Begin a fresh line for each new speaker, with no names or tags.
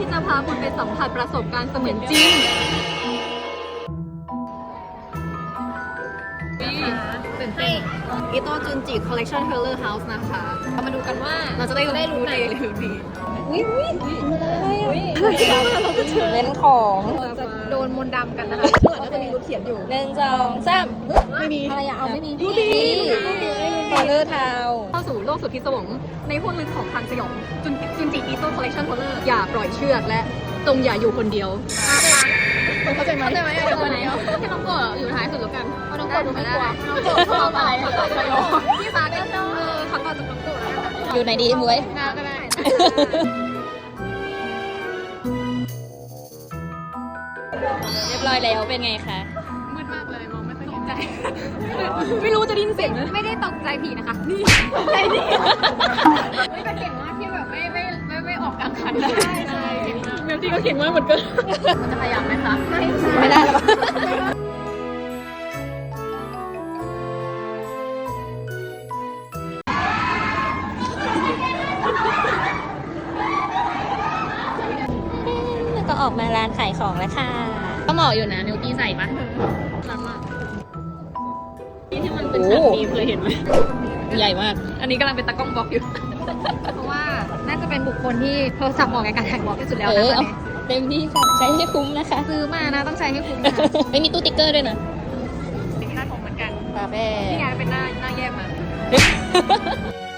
ที่จะพาคุณไปสัมผัสประสบการณ์เสมือนจริงตื่นเต้นอิโต้จุนจิ Collection Taylor House นะคะเรามาดูกันว่าเราจะได้รู้ในหรือดี
เล่นของ
เราจะโดนมนต์ดำกันนะคะข้างหลังก็จะมีรูปเขียนอยู่
1 2 3
ไม่มี
อะไรอะเอาไม่มี
ดูดี
คอลเลอร์ทาว
เข้าสู่โลกสุดพิศวงในห้วงลึกของทางสยองจุนจิอีโต้คอลเลคชันโทเลอร์อย่าปล่อยเชือกและจงอย่าอยู่คนเดียวเข้าใจไหมอยู่คนเดียวให้น้องโกะอยู่ท้ายสุดแล้วกันเพราะน้องโกะดูไม่กลัวน้องโกะชอบอะไรพี่ฟ้าก็ชอบเขาต่อจากน้องโกะแล้วกัน
อยู่ไหนดีมวย
น้าก็ได้
เรียบร้อยแล้วเป็นไงคะ
มืดมากเลยมองไม่ค่อยเห็นใจ ไม่รู้จะได้ยินเสียงไม่ได้ตกใจผีนะคะนี่ใจดีไม่แต่เก่งมากที่แบบไม่ออกกลางคันได้ใช่เมลที่ก็เก่งมากเหมือนกันมันจะพยายามไหมคะ
ไม่ได้หรอก็ออกมาร้านขายของแล้วค่ะก็เหมาะอยู่นะนิวตี้ใส่ปะ
รักมากนี่ที่มันเป็นฉากนี้เคยเห็นไหม
ใหญ่มาก
อันนี้กำลังเป็นตากล้องบล็อกอยู่ เพราะว่าน่าจะเป็นบุคคลที่โทรศัพท์เหมาะกับการถ่ายบล็อกที่สุดแล้วนะตอนนี้
เต็มที่ค่ะใช้ให้คุ้มนะคะ
ซื้อมานะต้องใช้ให้คุ้มนะ
ไม่มีตู้ติ๊กเกอร์ด้วยนะ
เป็นหน้าของเหมือนกัน
ปาเป้
นี่ไงเป็นหน้าแยกมา